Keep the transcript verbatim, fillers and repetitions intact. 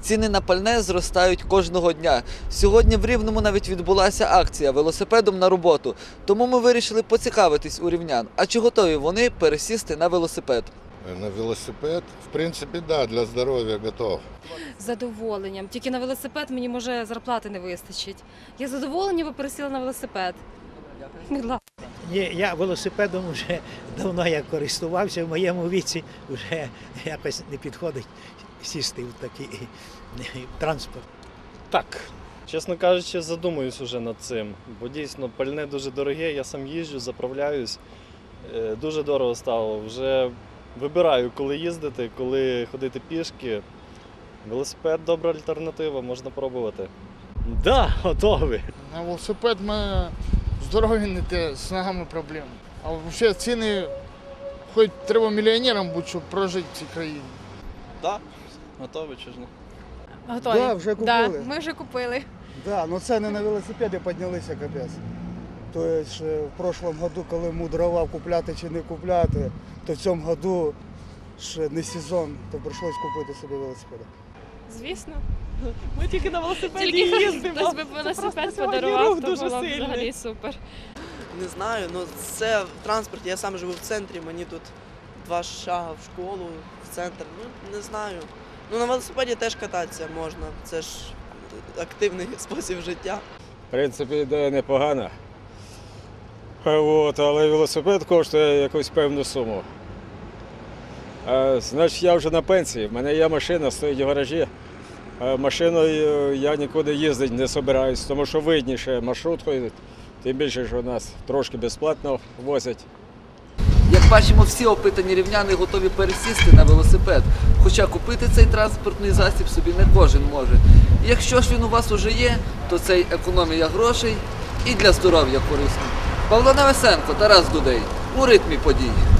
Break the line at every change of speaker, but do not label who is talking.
Ціни на пальне зростають кожного дня. Сьогодні в Рівному навіть відбулася акція «Велосипедом на роботу». Тому ми вирішили поцікавитись у рівнян, а чи готові вони пересісти на велосипед.
На велосипед, в принципі, да, для здоров'я готов.
З задоволенням. Тільки на велосипед мені, може, зарплати не вистачить. Я з задоволенням би пересіла на велосипед. Будь ласка.
Ні, я велосипедом вже давно як користувався, в моєму віці вже якось не підходить сісти в такий транспорт.
Так, чесно кажучи, задумуюсь уже над цим, бо дійсно пальне дуже дороге, я сам їжджу, заправляюсь, е, дуже дорого стало. Вже вибираю, коли їздити, коли ходити пішки. Велосипед – добра альтернатива, можна пробувати.
Так, да, готовий.
На велосипед ми здоров'я не те, з ногами проблеми. А взагалі ціни, хоч треба мільйонером бути, щоб прожити в цій країні.
Так, готовий чи ж не?
Готові?
Да, вже купили.
Да, ми вже купили.
Да, но ціни на велосипеди піднялися капець. Тобто в прошлом году, коли мудрував купляти чи не купляти, то в цьому году ще не сезон, то прийшлось купити собі велосипед.
Звісно. Ми тільки на велосипеді
Тільки
їздимо.
хтось би велосипед
просто сьогодні
подарував,
рух
то
дуже
було б
сильний.
взагалі супер.
Не знаю, ну це транспорт, я сам живу в центрі, мені тут два шага в школу, в центр, ну не знаю. Ну на велосипеді теж кататися можна, це ж активний спосіб життя.
В принципі, ідея непогана. От, але велосипед коштує якусь певну суму. А, значить, я вже на пенсії, в мене є машина, стоїть в гаражі. А машиною я нікуди їздити не збираюсь, тому що видніше маршруткою, тим більше, що нас трошки безплатно возять.
Як бачимо, всі опитані рівняни готові пересісти на велосипед. Хоча купити цей транспортний засіб собі не кожен може. І якщо ж він у вас уже є, то це й економія грошей і для здоров'я корисно. Павло Невесенко, Тарас Дудей. У ритмі подій.